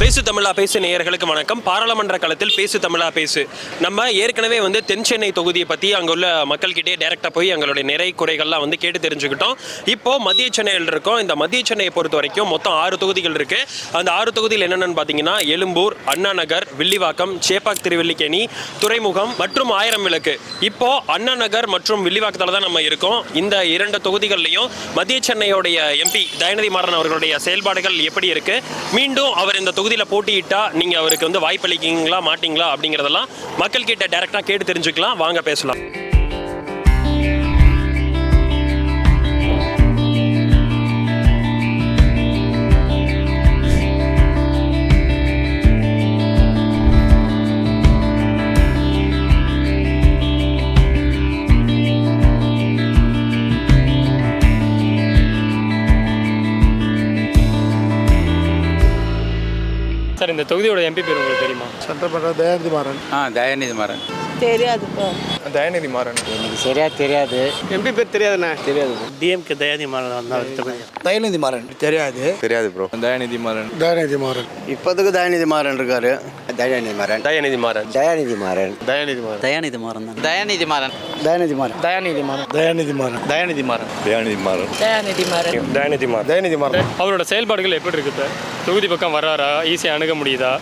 பேசு தமிழா பேசு நேயர்களுக்கு வணக்கம். பாராளுமன்ற களத்தில் பேசு தமிழா பேசு. நம்ம ஏற்கனவே தென் சென்னை தொகுதியை பற்றி அங்கே உள்ள மக்கள்கிட்டே டைரெக்டாக போய் எங்களுடைய நிறை குறைகள்லாம் கேட்டு தெரிஞ்சுக்கிட்டோம். இப்போ மத்திய சென்னையில் இருக்கோம். இந்த மத்திய சென்னையை பொறுத்த வரைக்கும் மொத்தம் 6 தொகுதிகள் இருக்கு. அந்த 6 தொகுதியில் என்னென்னு பார்த்தீங்கன்னா எழும்பூர், அண்ணா நகர், வில்லிவாக்கம், சேப்பாக் திருவல்லிக்கேணி, துறைமுகம் மற்றும் ஆயிரம் விளக்கு. இப்போ அண்ணா நகர் மற்றும் வில்லிவாக்கத்தில் தான் நம்ம இருக்கோம். இந்த 2 தொகுதிகள்லையும் மத்திய சென்னையோடைய எம்பி தயாநிதி மாறன் அவர்களுடைய செயல்பாடுகள் எப்படி இருக்கு, மீண்டும் அவர் இந்த தொகுதியில் போட்டியிட்டா நீங்க அவருக்கு வாய்ப்பளிக்கீங்களா மாட்டீங்களா அப்படிங்கறதெல்லாம் மக்கள் கிட்ட டைரக்டா கேட்டு தெரிஞ்சுக்கலாம். வாங்க பேசலாம். சார், இந்த தொகுதியோட எம்பி பேர் உங்களுக்கு தெரியுமா? சட்டமன்ற தயாநிதி மாறன். தயாநிதி மாறன் தெரியாதுப்பா. தயாநிதி மாறன் எனக்கு சரியா தெரியாது. எம்பி பேர் தெரியாதுண்ணே? தெரியாது. டிஎம்கே தயாநிதி மாறன் தயாநிதி மாறன் தெரியாது. தெரியாது ப்ரோ. தயாநிதி மாறன். தயாநிதி மாறன் இப்போதுக்கு தயாநிதி மாறன் இருக்காரு. தயாநிதி மாறன். தயாநிதி மாறன். தயாநிதி மாறன். தயாநிதி மாறன். தயாநிதி மாறன் தான். தயாநிதி மாறன். தயாநிதி மாறன். தயாநிதி மாறன். தயாநிதி மாறன். தயாநிதி மாறன். தயாநிதி மாறன். தயாநிதி மாறன். தயாநிதி மாறன். தயாநிதி மாறன். அவரோட செயல்பாடுகள் எப்படி இருக்குது? தொகுதி பக்கம் வர்றாரா? ஈஸியாக அணுக முடியுதா?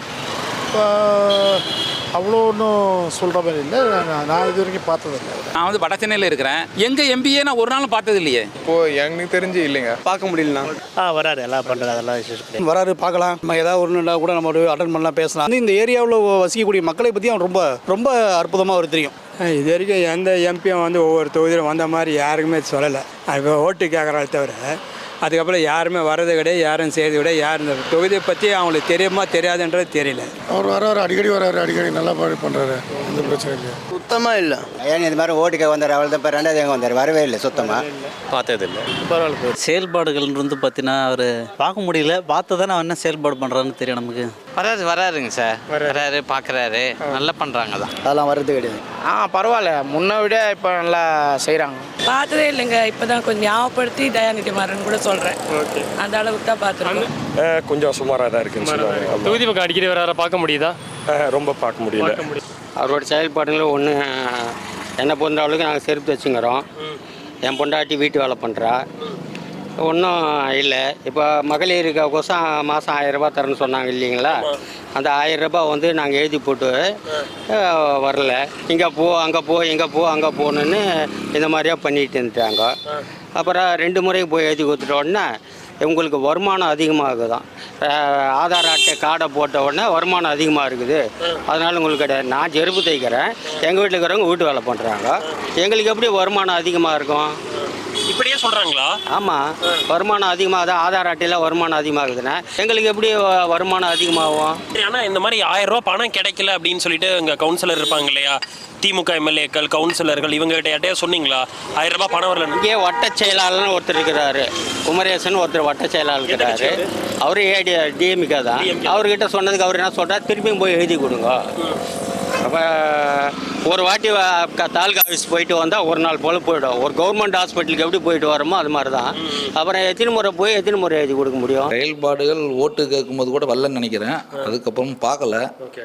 அவ்வளோ ஒன்றும் சொல்கிற மாதிரி இல்லை. நான் இது வரைக்கும் பார்த்ததில்லை. நான் வட சென்னையில் இருக்கிறேன். எங்கள் எம்பியே நான் ஒரு நாளும் பார்த்தது இல்லையே. இப்போது எனக்கு தெரிஞ்சு இல்லைங்க, பார்க்க முடியலண்ணா. வராரு, எல்லாம் பண்ணுறது அதெல்லாம் வராரு, பார்க்கலாம். நம்ம ஏதாவது ஒன்றுனா கூட நம்ம ஒரு அட்டன் பண்ணலாம், பேசலாம். இந்த ஏரியாவில் வசிக்கக்கூடிய மக்களை பற்றி அவன் ரொம்ப ரொம்ப அற்புதமாக அவர் தெரியும். இது வரைக்கும் எந்த எம்பியும் ஒவ்வொரு தொகுதியில் வந்த மாதிரி யாருக்குமே சொல்லலை. இப்போ ஓட்டு கேட்குறாள் தவிர அதுக்கப்புறம் யாருமே வர்றது கிடையாது, யாரும் செய்யறது கிடையாது. யார் இந்த தொகுதியை பற்றி அவங்களுக்கு தெரியுமா தெரியாதுன்றது தெரியல. அவர் வர்றாரு, அடிக்கடி வர்றாரு, அடிக்கடி நல்லா பண்ணுறாரு, எந்த பிரச்சனை இல்லை. சுத்தமாக இல்லை. இது மாதிரி ஓட்டுக்க வந்தார். அவள் தான் இப்போ 2வது எங்கே வந்தார், வரவே இல்லை, சுத்தமாக பார்த்தது இல்லை. பரவாயில்ல. செயல்பாடுகள் பார்த்தீங்கன்னா அவர் பார்க்க முடியல. பார்த்து தானே என்ன செயல்பாடு பண்ணுறான்னு தெரியும் நமக்கு. வராருங்க சார். வராரு, பார்க்குறாரு, நல்லா பண்ணுறாங்க தான். அதெல்லாம் வர்றது கிடையாது. பரவாயில்ல, முன்ன விட இப்போ நல்லா செய்கிறாங்க. பார்த்ததே இல்லைங்க. இப்போதான் கொஞ்சம் ஞாபகப்படுத்தி தயாநிதி மாறன் கூட சொல்கிறேன். ஓகே, அந்த அளவுக்கு தான் பார்த்துருக்கோம். கொஞ்சம் சுமாராக தான் இருக்குன்னு சொல்லுவாங்க. தொகுதி பக்கம் அடிக்கடி வராரா? பார்க்க முடியுதா? ரொம்ப பார்க்க முடியல. அவரோட செயல்பாடுகள் ஒன்று என்னை பொறுத்த அளவுக்கு நாங்கள் செருப்பு வச்சுங்கிறோம். என் பொண்டாட்டி வீட்டு வேலை பண்ணுறா. ஒன்றும் இல்லை. இப்போ மகளிருக்கு கோசம் மாதம் 1000 ரூபா தரேன்னு சொன்னாங்க இல்லைங்களா? அந்த 1000 ரூபா நாங்கள் எழுதி போட்டு வரல. இங்கே போ, அங்கே போ, இங்கே போ, அங்கே போகணுன்னு இந்த மாதிரியா பண்ணிட்டு இருந்துட்டாங்க. அப்புறம் 2 முறையும் போய் எழுதி கொடுத்துட்ட உடனே உங்களுக்கு வருமானம் அதிகமாகுதான். ஆதார் அட்டை கார்டை போட்ட உடனே வருமானம் அதிகமாக இருக்குது, அதனால் உங்களுக்கு கிடையாது. நான் செருப்பு தைக்கிறேன், எங்கள் வீட்டில் இருக்கிறவங்க வீட்டு வேலை பண்ணுறாங்க. எங்களுக்கு எப்படி வருமானம் அதிகமாக இருக்கும்? இப்படியே சொல்றாங்களா? ஆமாம், வருமானம் அதிகமாகுது. ஆதார் அட்டையில் வருமானம் அதிகமாகுதுன்னா எங்களுக்கு எப்படி வருமானம் அதிகமாகும்? ஆனால் இந்த மாதிரி 1000 ரூபா பணம் கிடைக்கல அப்படின்னு சொல்லிட்டு இங்கே கவுன்சிலர் இருப்பாங்க இல்லையா, திமுக எம்எல்ஏக்கள், கவுன்சிலர்கள், இவங்ககிட்ட யார்ட்டையா சொன்னீங்களா 1000 ரூபா பணம் வரல? இங்கே வட்ட செயலாளர்னு ஒருத்தர் இருக்கிறாரு, குமரேசன் ஒருத்தர் வட்ட செயலாளர் இருக்கிறாரு. அவரு டிஎம்கே தான். அவர்கிட்ட சொன்னதுக்கு அவர் என்ன சொல்கிறார், திருப்பியும் போய் எழுதி கொடுங்க. அப்போ ஒரு வாட்டி தாலுகா ஆஃபீஸ் போயிட்டு வந்தால் ஒரு நாள் போல் போய்டும். ஒரு கவர்மெண்ட் ஹாஸ்பிட்டலுக்கு எப்படி போயிட்டு வரோமோ அது மாதிரி தான். அப்புறம் எத்தனை முறை எழுதி கொடுக்க முடியும்? செயல்பாடுகள் ஓட்டு கேட்கும்போது கூட வரலன்னு நினைக்கிறேன். அதுக்கப்புறம் பார்க்கல.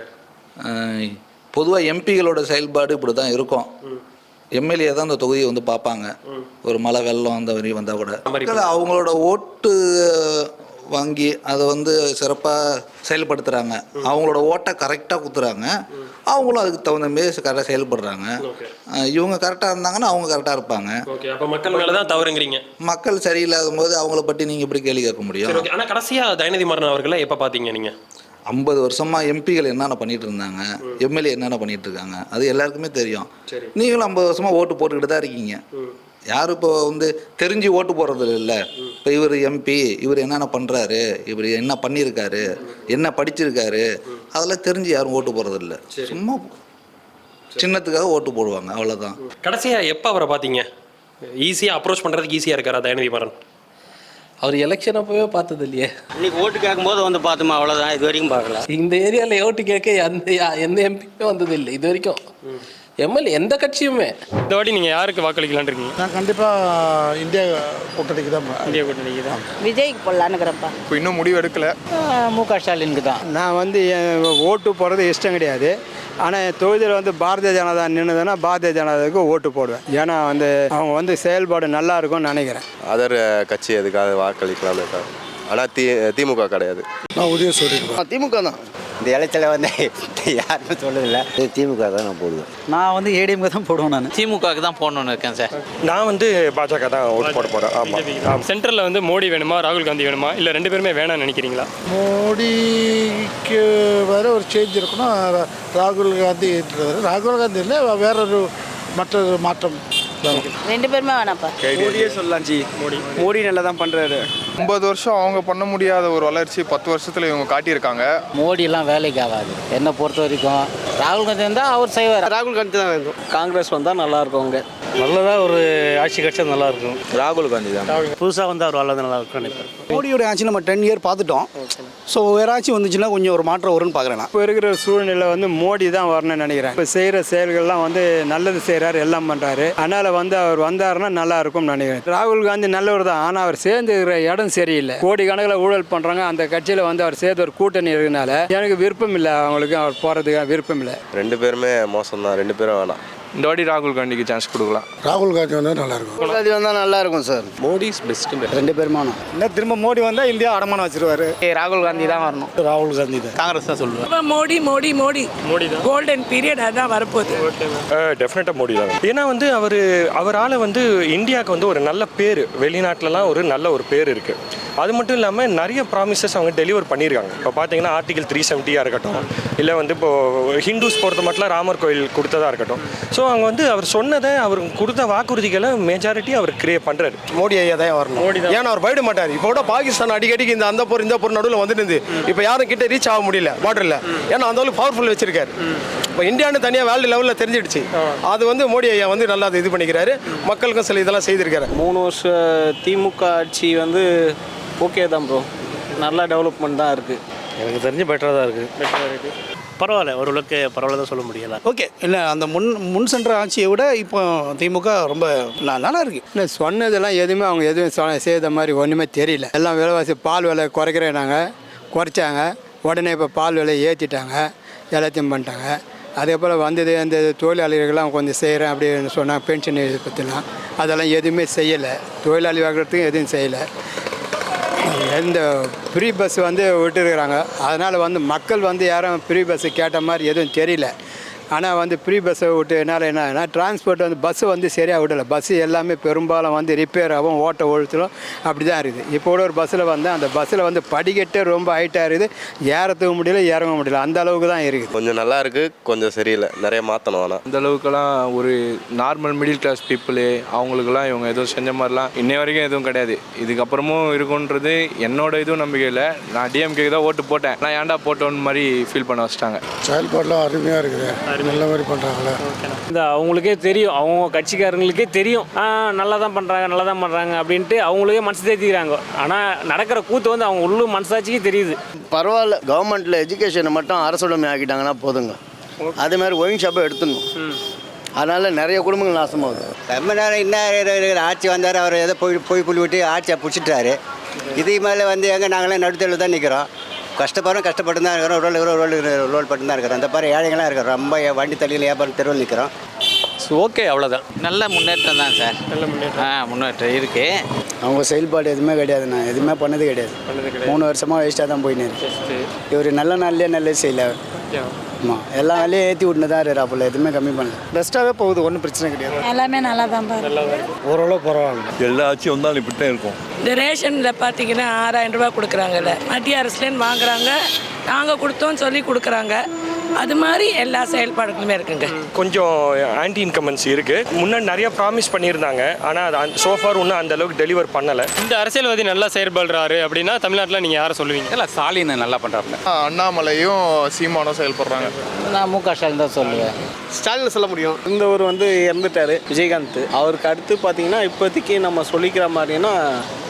பொதுவாக எம்பிகளோட செயல்பாடு இப்படி தான் இருக்கும். எம்எல்ஏ தான் அந்த தொகுதியை பார்ப்பாங்க. ஒரு மழை வெள்ளம் அந்த வரி வந்தால் கூட அவங்களோட ஓட்டு வாங்கி அதை சிறப்பாக செயல்படுத்துகிறாங்க. அவங்களோட ஓட்டை கரெக்டாக குத்துறாங்க. அவங்களும் அதுக்கு தகுந்த மாரி கரெக்டாக செயல்படுறாங்க. இவங்க கரெக்டாக இருந்தாங்கன்னா அவங்க கரெக்டாக இருப்பாங்க. மக்கள் மேலே தான் தவறுங்கிறீங்க. மக்கள் சரியில்லாத போது அவங்கள பற்றி நீங்கள் எப்படி கேள்வி கேட்க முடியும்? ஆனால் கடைசியாக தயாநிதி மாறன் அவர்களை எப்போ பார்த்தீங்க நீங்கள்? 50 வருஷமாக எம்பிகள் என்னென்ன பண்ணிட்டு இருந்தாங்க, எம்எல்ஏ என்னென்ன பண்ணிட்டு இருக்காங்க, அது எல்லாருக்குமே தெரியும். நீங்களும் 50 வருஷமாக ஓட்டு போட்டுக்கிட்டு தான் இருக்கீங்க. யாரும் இப்போ தெரிஞ்சு ஓட்டு போடுறது இல்லை. இப்போ இவர் எம்பி, இவர் என்னென்ன பண்ணுறாரு, இவர் என்ன பண்ணியிருக்காரு, என்ன படிச்சிருக்காரு, அதெல்லாம் தெரிஞ்சு யாரும் ஓட்டு போடுறது இல்லை. சும்மா சின்னத்துக்காக ஓட்டு போடுவாங்க, அவ்வளோதான். கடைசியாக எப்போ அவரை பார்த்தீங்க? ஈஸியாக அப்ரோச் பண்ணுறதுக்கு ஈஸியாக இருக்காரா தயாநிதி மாறன்? அவர் எலெக்ஷன் அப்போவே பார்த்தது இல்லையே. இன்னைக்கு ஓட்டு கேட்கும்போது பார்த்தோமா, அவ்வளோதான். இது வரைக்கும் பார்க்கல. இந்த ஏரியாவில் ஓட்டு கேட்க எந்த எம்பியுமே வந்தது இல்லை இது வரைக்கும். எம்எல்ஏ எந்த கட்சியுமே. இந்த வாட்டி நீங்கள் யாருக்கு வாக்களிக்கலான்னு இருக்கீங்க? நான் கண்டிப்பாக இந்தியா கூட்டணிக்கு தான் இந்தியா கூட்டணிக்கு தான். விஜய்க்கு போடலான்னுக்கிறப்பா. இப்போ இன்னும் முடிவு எடுக்கல. முக ஸ்டாலினுக்கு தான். நான் வந்து ஓட்டு போடுறது இஷ்டம் கிடையாது. ஆனால் தொகுதியில் வந்து பாரதிய ஜனதா நின்றுதுன்னா பாரதிய ஜனதாவுக்கு ஓட்டு போடுவேன். ஏன்னா வந்து அவங்க வந்து செயல்பாடு நல்லா இருக்கும்னு நினைக்கிறேன். அதர் கட்சி எதுக்காக வாக்களிக்கலாம்னு இருக்காங்க. ஆனால் திமுக கிடையாது. நான் உதயம் சொல்லியிருக்கேன். திமுக தான். இந்த இலைச்சல வந்து யாருமே சொல்லதில்லை. திமுக தான் நான் போடுவேன். நான் வந்து ஏடிஎம்க்கு தான் போடுவேன். நான் திமுகவுக்கு தான் போடணும்னு இருக்கேன் சார். நான் வந்து பாஜக தான் ஓட்டு போட போகிறேன். ஆமாம். சென்ட்ரலில் வந்து மோடி வேணுமா ராகுல் காந்தி வேணுமா இல்லை ரெண்டு பேருமே வேணாம்னு நினைக்கிறீங்களா? மோடிக்கு வேற ஒரு சேஞ்ச் இருக்குன்னா ராகுல் காந்தி ராகுல் காந்தி இல்லை வேறொரு மற்றொரு மாற்றம். ரெண்டு பேருமே வேணாப்பா. மோடியே சொல்லலாம் ஜி. மோடி நல்லா தான் பண்ணுறாரு. 50 வருஷம் அவங்க பண்ண முடியாத ஒரு வளர்ச்சி 10 வருஷத்தில் இவங்க காட்டியிருக்காங்க. மோடியெல்லாம் வேலைக்கு ஆகாது என்னை பொறுத்த வரைக்கும். ராகுல் காந்தி வந்தால் அவர் செய்வார். ராகுல் காந்தி தான் வேண்டும். காங்கிரஸ் வந்தால் நல்லாயிருக்கும். அவங்க நல்லதாக ஒரு ஆட்சி கட்சி நல்லா இருக்கும். ராகுல் காந்தி தான். புதுசாக வந்து அவர் வளர்ந்து நல்லா இருக்கும் நினைப்பேன். மோடியோட ஆட்சி நம்ம 10 இயர் பார்த்துட்டோம். ஸோ வேறு ஆட்சி வந்துச்சுன்னா கொஞ்சம் ஒரு மாற்றம் வரும்னு பார்க்குறேன். இப்போ இருக்கிற சூழ்நிலை வந்து மோடி தான் வரணும்னு நினைக்கிறேன். இப்போ செய்கிற செயல்கள்லாம் வந்து நல்லது செய்கிறாரு, எல்லாம் பண்ணுறாரு. அதனால் வந்து அவர் வந்தாருன்னா நல்லா இருக்கும்னு நினைக்கிறேன். ராகுல் காந்தி நல்லவர் தான். ஆனால் அவர் சேர்ந்துக்கிற இடம் சரியில்லை. கோடிக்கணக்கில் ஊழல் பண்ணுறாங்க. அந்த கட்சியில் வந்து அவர் சேர்த்து ஒரு கூட்டணி இருக்கனால எனக்கு விருப்பம் இல்லை. அவங்களுக்கு அவர் போகிறதுக்கு விருப்பம் இல்லை. ரெண்டு பேருமே மோசம் தான். ரெண்டு பேரும் வேணாம். இந்த வாட்டி ராகுல் காந்திக்கு சான்ஸ் கொடுக்கலாம். ராகுல் காந்தி வந்தால் நல்லாயிருக்கும். ராகுல் காந்தி வந்தால் நல்லா இருக்கும் சார். Modi is best. ரெண்டு பேருமானம். என்ன திரும்ப மோடி வந்தால் இந்தியா அடமானம் வச்சிருவாரு. ராகுல் காந்தி தான் வரணும். ராகுல் காந்தி தான். காங்கிரஸ் தான் சொல்லுவேன். மோடி மோடி மோடி மோடி தான். கோல்டன் பீரியட் அதான் வரப்போகுது. டெஃபினட்டாக மோடி தான். ஏன்னா வந்து அவரால் வந்து இந்தியாவுக்கு வந்து ஒரு நல்ல பேர், வெளிநாட்டிலலாம் ஒரு நல்ல ஒரு பேர் இருக்குது. அது மட்டும் இல்லாமல் நிறைய ப்ராமிசஸ் அவங்க டெலிவர் பண்ணியிருக்காங்க. இப்போ பார்த்தீங்கன்னா ஆர்டிகல் 370 இருக்கட்டும், இல்லை வந்து இப்போது ஹிந்துஸ் பொறுத்த மட்டும் ராமர் கோயில் கொடுத்ததாக இருக்கட்டும். ஸோ அவங்க வந்து அவர் சொன்னதை அவர் கொடுத்த வாக்குறுதிகளை மெஜாரிட்டி அவர் கிரியேட் பண்ணுறாரு. மோடி ஐயா தான் வரணும். ஏன்னா அவர் போயிட மாட்டார். இப்போ கூட பாகிஸ்தான் அடிக்கடிக்கு இந்த இந்த போர் நடுவில் வந்துட்டு இப்போ யாரும் கிட்ட ரீச் ஆக முடியல பார்டரில். ஏன்னா அந்த அளவுக்கு பவர்ஃபுல் வச்சிருக்காரு. இப்போ இந்தியான்னு தனியாக வேர்ல்டு லெவலில் தெரிஞ்சிடுச்சு. அது வந்து மோடி ஐயா வந்து நல்லா இது பண்ணிக்கிறாரு. மக்களுக்கும் சில இதெல்லாம் செய்திருக்காரு. 3 வருஷம் திமுக ஆட்சி வந்து ஓகே தான் ப்ரோ. நல்லா டெவலப்மெண்ட் தான் இருக்குது. எனக்கு தெரிஞ்சு பெட்டராக தான் இருக்குது. பரவாயில்ல, ஓரளவுக்கு பரவாயில்ல தான் சொல்ல முடியல. ஓகே. இல்லை அந்த முன் சென்ற ஆட்சியை விட இப்போ திமுக ரொம்ப நல்லா இருக்கு. இல்லை சொன்னதெல்லாம் எதுவுமே அவங்க எதுவும் செய்த மாதிரி ஒன்றுமே தெரியல. எல்லாம் விலைவாசி பால் விலை குறைக்கிறேனாங்க, குறைச்சாங்க. உடனே இப்போ பால் விலை ஏற்றிட்டாங்க, எல்லாத்தையும் பண்ணிட்டாங்க. அதே போல் வந்தது அந்த தொழிலாளிகள்லாம் கொஞ்சம் செய்கிறேன் அப்படின்னு சொன்னாங்க. பென்ஷன் இது பற்றிலாம் அதெல்லாம் எதுவுமே செய்யலை. தொழிலாளி வாங்குறதுக்கும் எதுவும் செய்யலை. இந்த ஃப்ரீ பஸ் வந்து விட்டுருக்குறாங்க. அதனால் வந்து மக்கள் வந்து யாரும் ஃப்ரீ பஸ்ஸு கேட்ட மாதிரி எதுவும் தெரியல. ஆனால் வந்து ஃப்ரீ பஸ்ஸை விட்டு என்னால் என்னன்னா டிரான்ஸ்போர்ட் வந்து பஸ்ஸு வந்து சரியாக விடலை. பஸ்ஸு எல்லாமே பெரும்பாலும் வந்து ரிப்பேர் ஆகும், ஓட்ட ஒழுத்தலும் அப்படி தான் இருக்குது. இப்போ கூட ஒரு பஸ்ஸில் வந்து அந்த பஸ்ஸில் வந்து படிக்கட்டே ரொம்ப ஹைட்டாக இருக்குது. ஏறத்துக்க முடியல, இறங்க முடியல. அந்த அளவுக்கு தான் இருக்குது. கொஞ்சம் நல்லா இருக்குது, கொஞ்சம் சரியில்லை. நிறைய மாற்றணும். ஆனால் இந்த அளவுக்குலாம் ஒரு நார்மல் மிடில் கிளாஸ் பீப்புளு அவங்களுக்குலாம் இவங்க எதுவும் செஞ்ச மாதிரிலாம் இன்னை வரைக்கும் எதுவும் கிடையாது. இதுக்கப்புறமும் இருக்குன்றது என்னோட இதுவும் நம்பிக்கை இல்லை. நான் டிஎம்கே தான் ஓட்டு போட்டேன். நான் ஏன்டா போட்டோன்னு மாதிரி ஃபீல் பண்ண வச்சிட்டாங்க. செயல்பாடெலாம் அருமையாக இருக்குது. நல்ல மாதிரி பண்ணுறாங்களே. இந்த அவங்களுக்கே தெரியும், அவங்க கட்சிக்காரங்களுக்கே தெரியும் நல்லா தான் பண்ணுறாங்க அப்படின்ட்டு அவங்களுக்கே மனசு தேத்திக்கிறாங்க. ஆனால் நடக்கிற கூத்து வந்து அவங்க உள்ளூர் மனசாட்சிக்கே தெரியுது. பரவாயில்ல. கவர்மெண்ட்டில் எஜுகேஷனை மட்டும் அரசுடைமை ஆக்கிட்டாங்கன்னா போதுங்க. அதே மாதிரி ஒயின் ஷாப்பை எடுத்துடணும். அதனால் நிறைய குடும்பங்கள் நாசமாகுது. ரொம்ப நேரம் இன்னும் ஆட்சி வந்தார். அவர் ஏதோ போய் புள்ளி விட்டு ஆட்சியை பிடிச்சிட்டாரு. இதுக்கு மேலே வந்து எங்கே நாங்களாம் நடுத்தரில் தான் நிற்கிறோம். கஷ்டப்பட்டு தான் இருக்கிறோம். ரோல் பட்டு தான் இருக்கிறோம். அந்த மாதிரி ஏழைகளாம் இருக்கிறோம். ரொம்ப வண்டி தள்ளியில் வியாபாரம் தெருவில் நிற்கிறோம். ஓகே, அவ்வளோதான். நல்ல முன்னேற்றம் தான் சார். நல்ல முன்னேற்றம் இருக்குது. அவங்க செயல்பாடு எதுவுமே கிடையாது. நான் எதுவுமே பண்ணது கிடையாது. 3 வருஷமாக வேஸ்ட்டாக தான் போயின்னு இருக்கு. இவர் நல்ல நாள்லேயே நல்லது செய்யல. ஆமாம், எல்லா வேலையும் ஏற்றி விட்டுன்னு தான் இருக்காப்புல. எதுவுமே கம்மி பண்ணல. பெஸ்ட்டாகவே போகுது. ஒன்றும் பிரச்சனை கிடையாது. எல்லாமே நல்லா தான் ஓரளவு பரவாயில்ல. எல்லா ஆட்சியும் வந்தாலும் இப்படி தான் இருக்கும். இந்த ரேஷனில் பார்த்தீங்கன்னா 6000 ரூபா கொடுக்குறாங்கல்ல, மத்திய அரசுலேருந்து வாங்குறாங்க. நாங்கள் கொடுத்தோன்னு சொல்லி கொடுக்குறாங்க. அது மாதிரி எல்லா செயல்பாடுகளுமே இருக்குங்க. கொஞ்சம் ஆன்டி இன்கம்பன்சி இருக்குது. முன்னாடி நிறைய ப்ராமிஸ் பண்ணியிருந்தாங்க. ஆனால் அது சோஃபார் இன்னும் அந்த அளவுக்கு டெலிவர் பண்ணலை. இந்த அரசியல்வாதி நல்லா செயல்படுறாரு அப்படின்னா தமிழ்நாட்டில் நீங்கள் யாரை சொல்லுவீங்க? இல்லை, ஸ்டாலின் நல்லா பண்ணுறாருல. அண்ணாமலையும் சீமானும் செயல்படுறாங்க. நான் முக ஸ்டாலின் தான் சொல்லுவேன். ஸ்டாலின் சொல்ல முடியும். இந்த ஒரு வந்து இறந்துட்டார் விஜயகாந்த். அவருக்கு அடுத்து பார்த்தீங்கன்னா இப்போதைக்கு நம்ம சொல்லிக்கிற மாதிரினா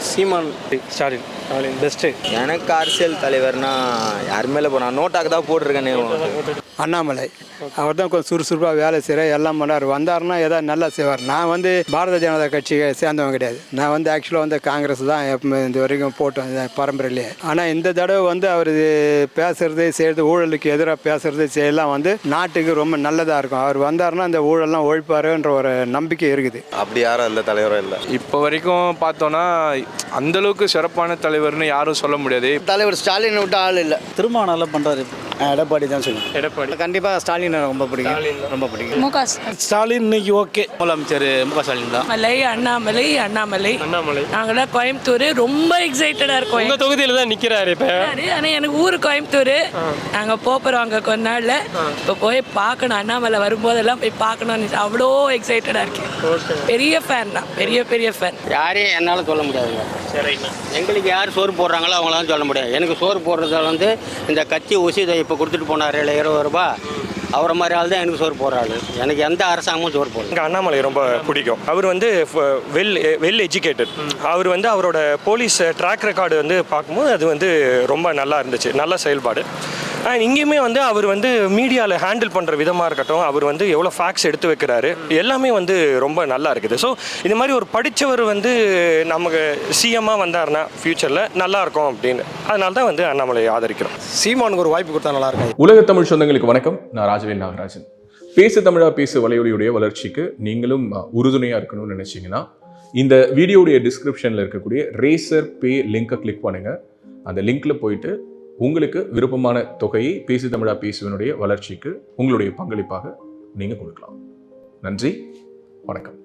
சீமான் ஸ்டாலின் ஸ்டாலின் பெஸ்ட்டு. எனக்கு அரசியல் தலைவர்னா யார் மேலே போனால் நோட்டாக்கு தான் போட்டிருக்கேனே. அண்ணாமலை அவர் தான் கொஞ்சம் சுறுசுறுப்பாக வேலை செய்கிறார், எல்லாம் பண்ணார். வந்தாருன்னா ஏதாவது நல்லா செய்வார். நான் வந்து பாரதிய ஜனதா கட்சியை சேர்ந்தவன் கிடையாது. நான் வந்து ஆக்சுவலாக வந்து காங்கிரஸ் தான் எப்பவுமே இந்த வரைக்கும் போட்டோம் பரம்பரையிலே. ஆனால் இந்த தடவை வந்து அவர் பேசுறது செய்கிறது, ஊழலுக்கு எதிராக பேசுறது செய்யலாம் வந்து நாட்டுக்கு ரொம்ப நல்லதாக இருக்கும். அவர் வந்தாருன்னா அந்த ஊழல்லாம் ஒழிப்பாருன்ற ஒரு நம்பிக்கை இருக்குது. அப்படி யாரும் அந்த தலைவரும் இல்லை. இப்போ வரைக்கும் பார்த்தோன்னா அந்தளவுக்கு சிறப்பான தலைவர்னு யாரும் சொல்ல முடியாது. தலைவர் ஸ்டாலின் விட்டு ஆள் இல்லை. திரும்ப நல்லா பண்ணுறாரு. எடப்பாடி தான் சொல்லுவேன். எடப்பாடி கண்டிப்பாக ஸ்டாலின் ரொம்ப பிடிக்கும், ரொம்ப பிடிக்கும். முக ஸ்டாலின் இன்னைக்கு ஓகே. முதலமைச்சர் முக ஸ்டாலின் தான். அண்ணாமலை அண்ணாமலை நாங்களாம் கோயம்புத்தூர் ரொம்ப எக்ஸைட்டடாக இருக்கோம். உங்கள் தொகுதியில் தான் நிற்கிறாரு இப்போ. ஆனால் எனக்கு ஊர் கோயம்புத்தூர். நாங்கள் போகிறோம் அங்கே கொஞ்ச நாளில். இப்போ போய் பார்க்கணும், அண்ணாமலை வரும்போதெல்லாம் போய் பார்க்கணும். அவ்வளோ எக்ஸைட்டடாக இருக்கேன். பெரிய ஃபேன் தான், பெரிய ஃபேன். யாரையும் என்னால் சொல்ல முடியாதுங்க. சரிண்ணா. எங்களுக்கு யார் சோறு போடுறாங்களோ அவங்களாம் சொல்ல முடியாது. எனக்கு சோறு போடுறதால வந்து இந்த கட்சி உசிதை இப்போ கொடுத்துட்டு போனார் 20 ரூபா, அவரை மாதிரி ஆள் தான் எனக்கு சோறு போடுறாரு. எனக்கு எந்த அரசாங்கமும் சோறு போடுறது. எனக்கு அண்ணாமலை ரொம்ப பிடிக்கும். அவர் வந்து வெல் எஜுகேட்டட். அவர் வந்து அவரோட போலீஸ் ட்ராக் ரெக்கார்டு வந்து பார்க்கும்போது அது வந்து ரொம்ப நல்லா இருந்துச்சு, நல்ல செயல்பாடு. அண்ட் இங்கேயுமே வந்து அவர் வந்து மீடியாவில் ஹேண்டில் பண்ணுற விதமாக இருக்கட்டும், அவர் வந்து எவ்வளோ ஃபேக்ட்ஸ் எடுத்து வைக்கிறாரு, எல்லாமே வந்து ரொம்ப நல்லா இருக்குது. ஸோ இந்த மாதிரி ஒரு படித்தவர் வந்து நமக்கு சிஎம்மாக வந்தாருன்னா ஃப்யூச்சரில் நல்லாயிருக்கும் அப்படின்னு, அதனால தான் வந்து அண்ணாமலையை ஆதரிக்கிறோம். சீமானுக்கு ஒரு வாய்ப்பு கொடுத்தா நல்லா இருக்கும். உலக தமிழ் சொந்தங்களுக்கு வணக்கம். நான் ராஜவேல் நாகராஜன். பேசு தமிழா பேசு வலையொலியுடைய வளர்ச்சிக்கு நீங்களும் உறுதுணையாக இருக்கணும்னு நினச்சிங்கன்னா இந்த வீடியோடைய டிஸ்கிரிப்ஷனில் இருக்கக்கூடிய ரேசர் பே லிங்கை கிளிக் பண்ணுங்கள். அந்த லிங்க்கில் போயிட்டு உங்களுக்கு விருப்பமான தொகையை பேசு தமிழா பேசுவனுடைய வளர்ச்சிக்கு உங்களுடைய பங்களிப்பாக நீங்கள் கொடுக்கலாம். நன்றி, வணக்கம்.